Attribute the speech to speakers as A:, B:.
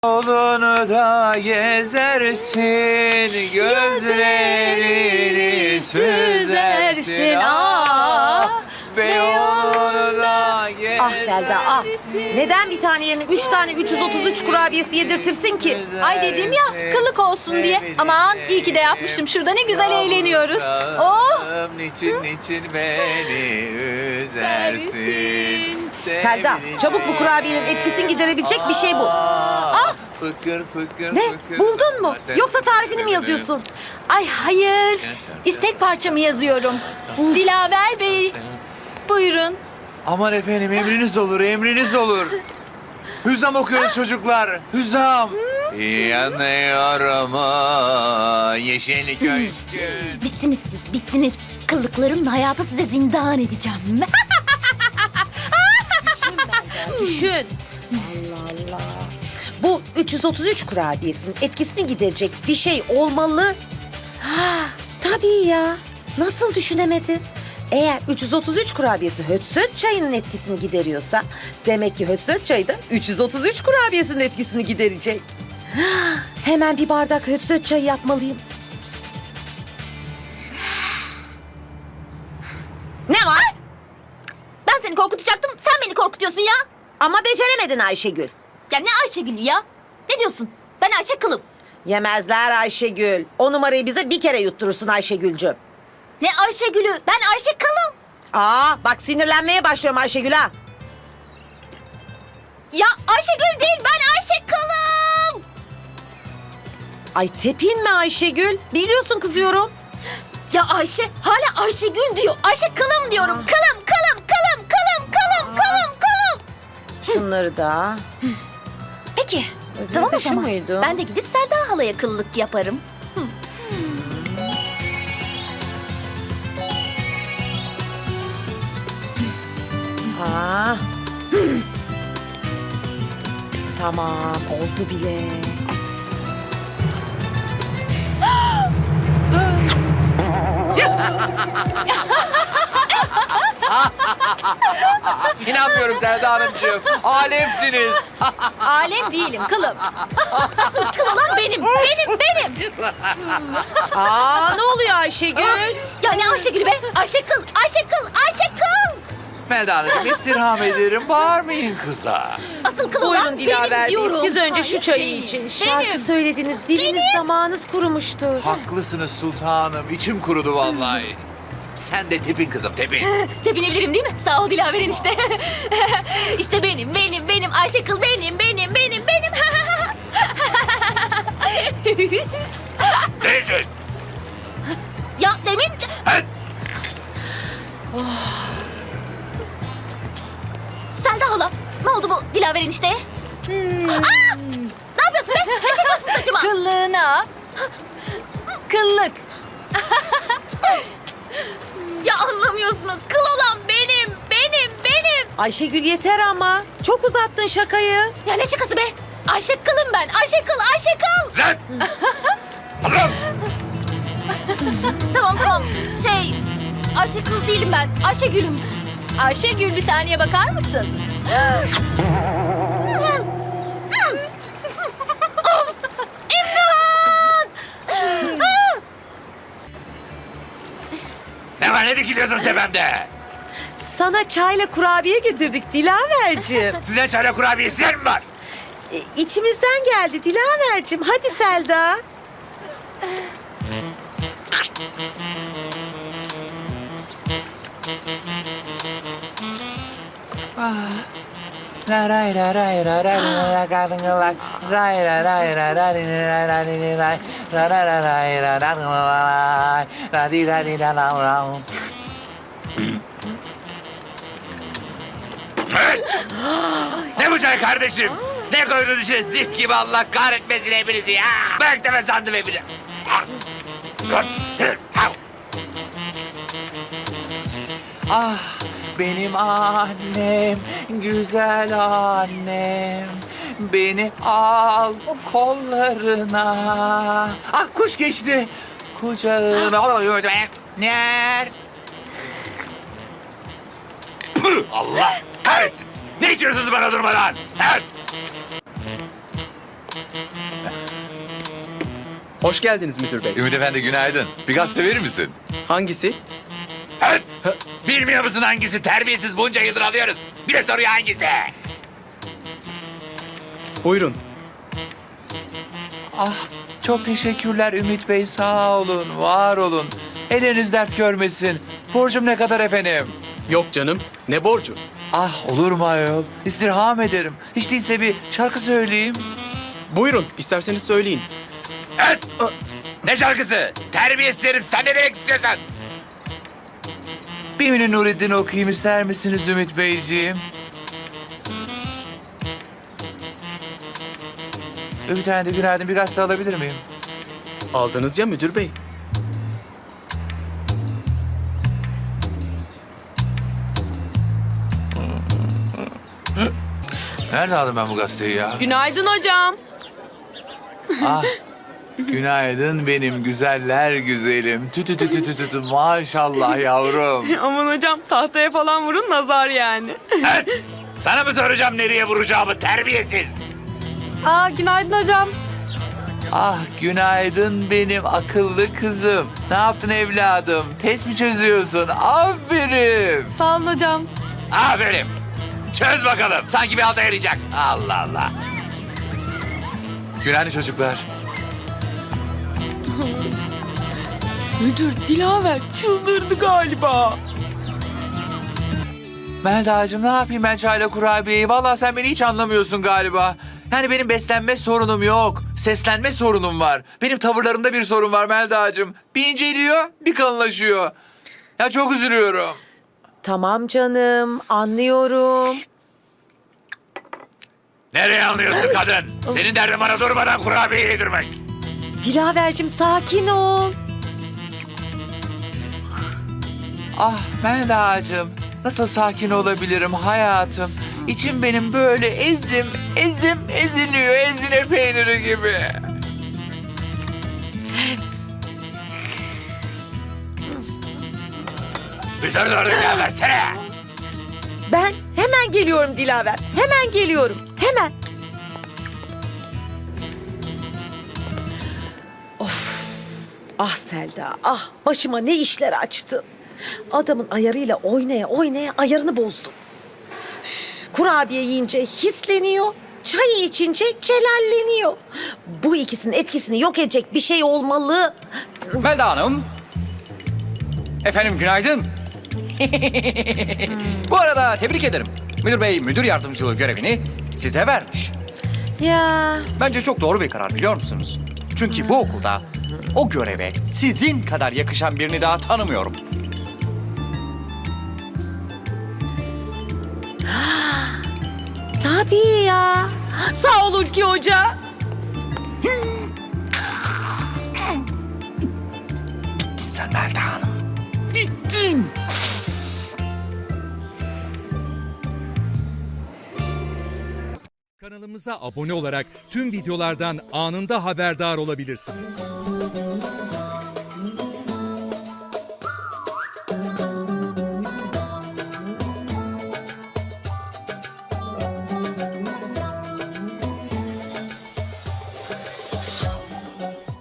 A: Yolunu da gezersin, gözlerini süzersin. Beyoğlu'nu da gezersin.
B: Ah Selda ah. Neden bir tane yerine 3 tane 333 kurabiyesi yedirtirsin ki?
C: Ay dedim ya, kılık olsun diye. Aman iyi ki de yapmışım. Şurada ne güzel eğleniyoruz. Oh!
A: Niçin beni üzersin?
B: Selda çabuk bu kurabiyenin etkisini giderebilecek bir şey bul.
A: Fıkır fıkır
B: Ne?
A: fıkır.
B: Buldun mu? Yoksa tarifini mi yazıyorsun?
C: Ay hayır. İstek parçamı yazıyorum. Dilaver Bey. Buyurun.
A: Aman efendim emriniz olur, emriniz olur. Hüzam okuyoruz çocuklar. Hüzam. Yanıyorum o yeşil köşkün.
C: Bittiniz siz, bittiniz. Kıllıklarımla hayatı size zindan edeceğim.
B: Düşün. Allah Allah. Bu 333 kurabiyesinin etkisini giderecek bir şey olmalı. Ha, tabii ya. Nasıl düşünemedin? Eğer 333 kurabiyesi hötsöt çayının etkisini gideriyorsa demek ki hötsöt çayı da 333 kurabiyesinin etkisini giderecek. Ha, hemen bir bardak hötsöt çayı yapmalıyım. Ne var?
C: Ben seni korkutacaktım, sen beni korkutuyorsun ya.
B: Ama beceremedin Ayşegül.
C: Ya ne Ayşegül ya? Ne diyorsun? Ben Ayşe Kılım.
B: Yemezler Ayşegül. O numarayı bize bir kere yutturursun Ayşegül'cüm.
C: Ne Ayşegül'ü? Ben Ayşe Kılım.
B: Aa bak sinirlenmeye başlıyorum Ayşegül ha.
C: Ya Ayşegül değil, ben Ayşe Kılım.
B: Ay tepinme Ayşegül. Biliyorsun kızıyorum.
C: Ya Ayşe hala Ayşegül diyor. Ayşe Kılım diyorum. Kılım, kılım, kılım, kılım, kılım, kılım, kılım.
B: Şunları da.
C: Peki.
B: Öbürü
C: Tamam
B: de
C: o
B: şu
C: zaman.
B: muydu?
C: Ben de gidip Selda halaya kıllık yaparım.
B: Ha. Tamam oldu bile.
A: İnanmıyorum Selda Hanımcığım. Alemsiniz.
C: Alem değilim kılım. Asıl kıl olan benim. Benim.
B: Aa ne oluyor Ayşegül?
C: Ya ne Ayşegül be? Ayşe Kıl, Ayşe Kıl, Ayşe Kıl.
A: Selda Hanımcığım istirham ederim. Bağırmayın kıza.
C: Asıl kıl olan
B: Buyurun Dilaver
C: benim
B: Bey.
C: diyorum.
B: Siz önce şu
C: Hayır,
B: çayı
C: değil.
B: için. Şarkı
C: Benim.
B: söylediniz. Diliniz damağınız kurumuştur.
A: Haklısınız sultanım. İçim kurudu vallahi. Sen de tepin kızım tepin.
C: Tepinebilirim değil mi? Sağ ol Dilaver enişte. İşte benim Ayşe Kıl benim.
A: Değilsin.
C: Ya demin...
A: Evet.
C: Selda hala, ne oldu bu Dilaver enişteye? Aa! Ne yapıyorsun be? Ne çekiyorsun saçıma?
B: Kıllığına. Kıllık.
C: Ya anlamıyorsunuz. Kıl olan benim.
B: Ayşegül yeter ama. Çok uzattın şakayı.
C: Ya ne şakası be? Ayşe Kıl'ım ben. Ayşe Kıl.
A: Sen. Hazırım.
C: Tamam. Ayşe Kıl değilim ben. Ayşegül'üm. Ayşegül bir saniye bakar mısın? Of! İmdat!
A: Ne var ne dikiliyorsunuz tepemde?
B: Sana çayla kurabiye getirdik Dilaver'cim.
A: Size çayla kurabiyesi yer mi var?
B: İçimizden geldi Dilaver'cim. Hadi Selda.
A: Ne bu çay kardeşim? Ne koydunuz içine zif gibi Allah kahretmesin hepinizi ya. Ben de sandım hepini. Ah benim annem, güzel annem. Beni al kollarına. Ah kuş geçti. Kucağına. Ner. Püh, Allah kahretsin. Ne içiyorsunuz bana durmadan? Evet.
D: Hoş geldiniz müdür bey.
A: Ümit Efendi günaydın. Bir gazete verir misin?
D: Hangisi?
A: Evet. Bilmiyor musun hangisi? Terbiyesiz bunca yıldır alıyoruz. Bir de soruyor hangisi?
D: Buyurun.
A: Ah, çok teşekkürler Ümit Bey. Sağ olun, var olun. Elleriniz dert görmesin. Borcum ne kadar efendim?
D: Yok canım. Ne borcu?
A: Ah, olur mu ayol? İstirham ederim. Hiç değilse bir şarkı söyleyeyim.
D: Buyurun. İsterseniz söyleyin.
A: Evet. Ne şarkısı? Terbiyesiz herif. Sen ne demek istiyorsun? Bir Münir Nurettin okuyayım ister misiniz Ümit Beyciğim? Ümit Efendi günaydın. Bir gazete alabilir miyim?
D: Aldınız ya müdür bey.
A: Nerede aldım ben bu gazeteyi ya?
E: Günaydın hocam.
A: Ah, günaydın benim güzeller güzelim. Tü tü tü tü tü tü. Maşallah yavrum.
E: Aman hocam tahtaya falan vurun nazar yani.
A: Evet. Sana mı soracağım nereye vuracağımı terbiyesiz?
E: Aa günaydın hocam.
A: Ah günaydın benim akıllı kızım. Ne yaptın evladım? Test mi çözüyorsun? Aferin.
E: Sağ olun hocam.
A: Aferin. Çöz bakalım. Sanki bir alta yarayacak. Allah Allah. Günaydın çocuklar.
E: Müdür Dilaver çıldırdı galiba.
A: Melda'cığım ne yapayım ben çayla kurabiyeyi? Vallahi sen beni hiç anlamıyorsun galiba. Yani benim beslenme sorunum yok. Seslenme sorunum var. Benim tavırlarımda bir sorun var Melda'cığım. Bir inceliyor, bir kalınlaşıyor. Ya çok üzülüyorum.
B: Tamam canım, anlıyorum.
A: Nereye anlıyorsun kadın? Senin derdin bana durmadan kurabiye yedirmek.
B: Dilavercim sakin ol.
A: Ah Melda'cığım, nasıl sakin olabilirim hayatım? İçim benim böyle eziliyor, ezine peyniri gibi. Dışarı doğru gel versene.
B: Ben hemen geliyorum Dilaver. Hemen geliyorum. Hemen. Of. Ah Selda. Ah başıma ne işler açtın. Adamın ayarıyla oynaya oynaya ayarını bozdum. Üf, kurabiye yiyince hisleniyor. Çay içince celalleniyor. Bu ikisinin etkisini yok edecek bir şey olmalı.
F: Melda Hanım. Efendim günaydın. Bu arada tebrik ederim. Müdür bey müdür yardımcılığı görevini size vermiş.
B: Ya
F: Bence çok doğru bir karar biliyor musunuz? Çünkü bu okulda o göreve sizin kadar yakışan birini daha tanımıyorum.
B: tabii ya. Sağ ol Hulki Hoca.
F: Sen Melda Hanım. Bittin.
G: Kanalımıza abone olarak tüm videolardan anında haberdar olabilirsiniz.